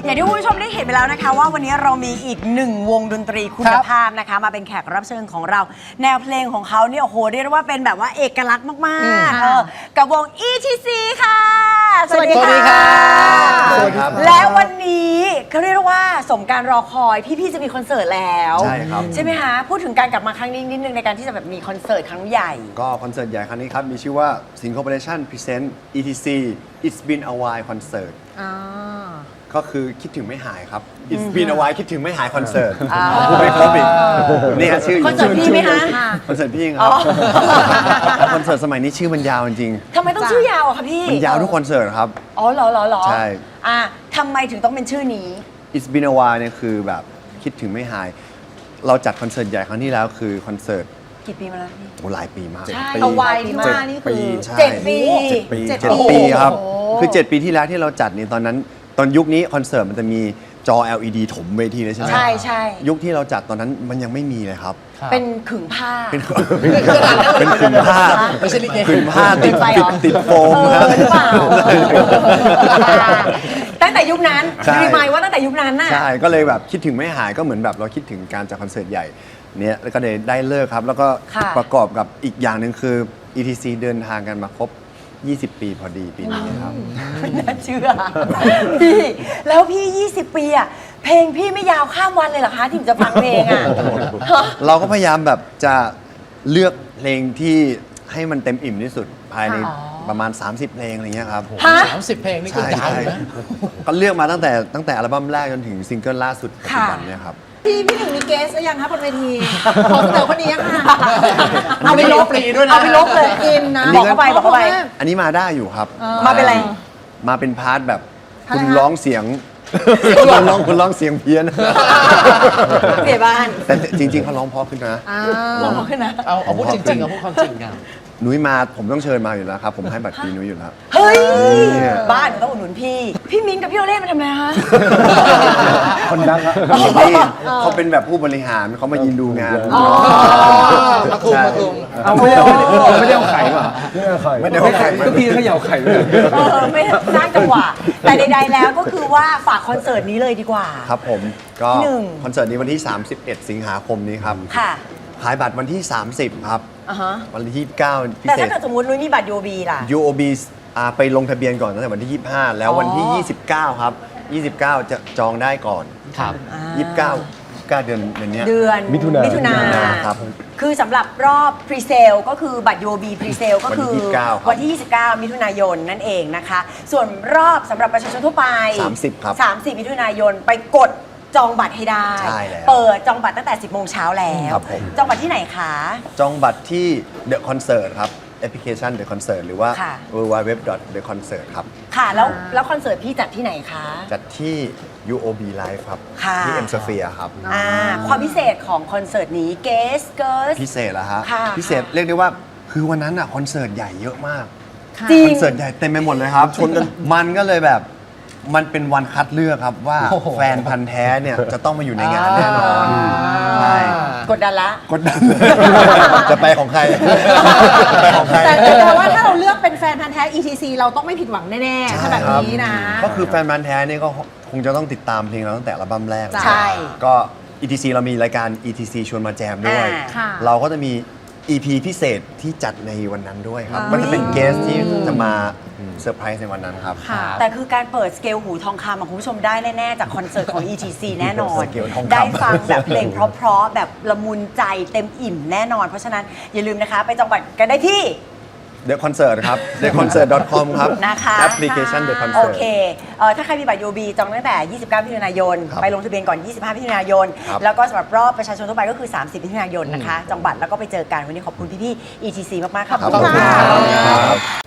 อย่างที่คุณผู้ชมได้เห็นไปแล้วนะคะว่าวันนี้เรามีอีกหนึ่งวงดนตรีคุณภาพนะคะมาเป็นแขกรับเชิญของเราแนวเพลงของเขาเนี่ยโอ้โหเรียกได้ว่าเป็นแบบว่าเอกลักษณ์มากๆกับวง ETC ค่ะสวัสดีค่ะสวัสดีครับและวันนี้เขาเรียกว่าสมการรอคอยพี่ๆจะมีคอนเสิร์ตแล้วใช่ครับใช่ไหมคะพูดถึงการกลับมาครั้งนี้นิดนึงในการที่จะแบบมีคอนเสิร์ตครั้งใหญ่ก็คอนเสิร์ตใหญ่ครั้งนี้ครับมีชื่อว่า Sin Corporation Present ETC It's Been a While Concert ก็คือคิดถึงไม่หายครับ It's Been a While คิดถึงไม่หายคอนเสิร์ตพูดไม่ครบอีกนี่ชื่อคอนเสิร์ตพี่ไหมคะคอนเสิร์ตพี่ครับคอนเสิร์ตสมัยนี้ชื่อมันยาวจริงทำไมต้องชื่อยาวอะคะพี่มันยาวทุกคอนเสิร์ตครับอ๋อเหรอใช่ทำไมถึงต้องเป็นชื่อนี้ It's Been a While เนี่ยคือแบบคิดถึงไม่หายเราจัดคอนเสิร์ตใหญ่ครั้งที่แล้วคือคอนเสิร์ตกี่ปีมาแล้วพี่โอ้หลายปีมากใช่เอาไว้ที่ว่านี่คือ7 ปีครับคือ 7 ปีที่แล้วที่เราจัดนี่ตอนนั้นตอนยุคนี้คอนเสิร์ตมันจะมีจอ LED ถมเวทีเลยใช่ไหมใช่ยุคที่เราจัดตอนนั้นมันยังไม่มีเลยครับเป็นขึงผ้าเป็นขึงผ้าไม่ใช่ลิเกขึงผ้าติดโฟมครับหรือเปล่าตั้งแต่ยุคนั้นรีมายว่าตั้งแต่ยุคนั้นน่ะใช่ก็เลยแบบคิดถึงไม่หายก็เหมือนแบบเราคิดถึงการจัดคอนเสิร์ตใหญ่เนี่ยแล้วก็ได้เลิกครับแล้วก็ประกอบกับอีกอย่างหนึ่งคือ ETC เดินทางกันมาครบ20 ปีพอดีปีนี้ครับไม่น่าเชื่อพี่แล้วพี่20 ปีอะเพลงพี่ไม่ยาวข้ามวันเลยเหรอคะที่จะฟังเพลงอะเราก็พยายามแบบจะเลือกเพลงที่ให้มันเต็มอิ่มที่สุดภายในประมาณ30 เพลงอะไรเงี้ยครับ 30 เพลงนี่ก็ยาวนะก็เลือกมาตั้งแต่อัลบั้มแรกจนถึงซิงเกิลล่าสุดปัจจุบันเนี่ยครับพี่หนึ่งมีเกสหรือยังคะบนเวทีขอเสนอคนนี้ค่ะเอาไปลบเลยเอาไปลบเลยกินนะบอกเข้าไปอันนี้มาได้อยู่ครับมาเป็นอะไรมาเป็นพาร์ทแบบคุณร้องเสียงคุณร้องเสียงเพี้ยนเปลี่ยนบ้านแต่จริงๆเขาร้องเพราะขึ้นนะร้องเพราะขึ้นนะเอาพูดจริงๆเอาพูดความจริงกันนุ้ยมาผมต้องเชิญมาอยู่แล้วครับผมให้บัตรฟรีนุ้ยอยู่แล้วเฮ้ยบ้านต้องอุดหนุนพี่มิ้นกับพี่โอเล่มาทำไมฮะคนดังครับเขาเป็นแบบผู้บริหารเขามายืนดูงานมาคุมเอาไม่ได้เอาไข่ป่ะไม่ได้เอาไข่ก็พี่เขย่าไข่เลยไม่สร้างจังหวะแต่ใดๆแล้วก็คือว่าฝากคอนเสิร์ตนี้เลยดีกว่าครับผมก็คอนเสิร์ตนี้วันที่31 สิงหาคมนี้ครับค่ะขายบัตรวันที่30ครับวันที่29พิเศษแต่ถ้าเกิดสมมตินุ้ยมีบัตร UOB ล่ะ UOB ไปลงทะเบียนก่อนตั้งแต่วันที่25แล้ววันที่29ครับ29จะจองได้ก่อนครับ 29เดือนนี้เดือนมิถุนาครับคือสำหรับรอบพรีเซลก็คือบัตร UOB พรีเซลก็คือวันที่29มิถุนายนนั่นเองนะคะส่วนรอบสำหรับประชาชนทั่วไป 30ครับ 30มิถุนายนไปกดจองบัตรให้ได้เปิดจองบัตรตั้งแต่ 10 โมงเช้าแล้วจองบัตรที่ไหนคะจองบัตรที่ The Concert ครับแอปพลิเคชัน The Concert หรือว่า www.theconcert ครับค่ะแล้วคอนเสิร์ตพี่จัดที่ไหนคะจัดที่ UOB Live ครับที่ M Sphere ครับความพิเศษของคอนเสิร์ตนี้เกสพิเศษเหรอฮะพิเศษเรียกได้ว่าคือวันนั้นอะคอนเสิร์ตใหญ่เยอะมากคอนเสิร์ตใหญ่เต็มไปหมดเลยครับชนกันมันก็เลยแบบมันเป็นวันคัดเลือกครับว่าแฟนพันธ์แท้เนี่ยจะต้องมาอยู่ในงานแน่นอนใช่กดดันละกดดันจะไปของใครแต่ว่าถ้าเราเลือกเป็นแฟนพันธ์แท้ ETC เราต้องไม่ผิดหวังแน่ๆถ้าแบบนี้นะก็คือแฟนพันธ์แท้เนี่ยก็คงจะต้องติดตามเพลงเราตั้งแต่อัลบั้มแรกใช่ก็ ETC เรามีรายการ ETC ชวนมาแจมด้วยเราก็จะมี EP พิเศษที่จัดในวันนั้นด้วยครับมันจะเป็นเกสที่จะมาเซอร์ไพรส์ในวันนั้นครับแต่คือการเปิดสเกลหูทองคำคุณผู้ชมได้แน่ๆจากคอนเสิร์ตของ ETC แน่นอนได้ฟังแบบเพลงเพราะๆแบบละมุนใจเต็มอิ่มแน่นอนเพราะฉะนั้นอย่าลืมนะคะไปจองบัตรกันได้ที่ The Concert ครับ theconcert.com ครับนะคะแอปพลิเคชัน The Concert โอเคถ้าใครมีบัตร UOB จองตั้งแต่29มิถุนายนไปลงทะเบียนก่อน25มิถุนายนแล้วก็สำหรับรอบประชาชนทั่วไปก็คือ30มิถุนายนนะคะจองบัตรแล้วก็ไปเจอกันวันนี้ขอบคุณพี่ๆ ETC มากๆครับขอบคุณครับ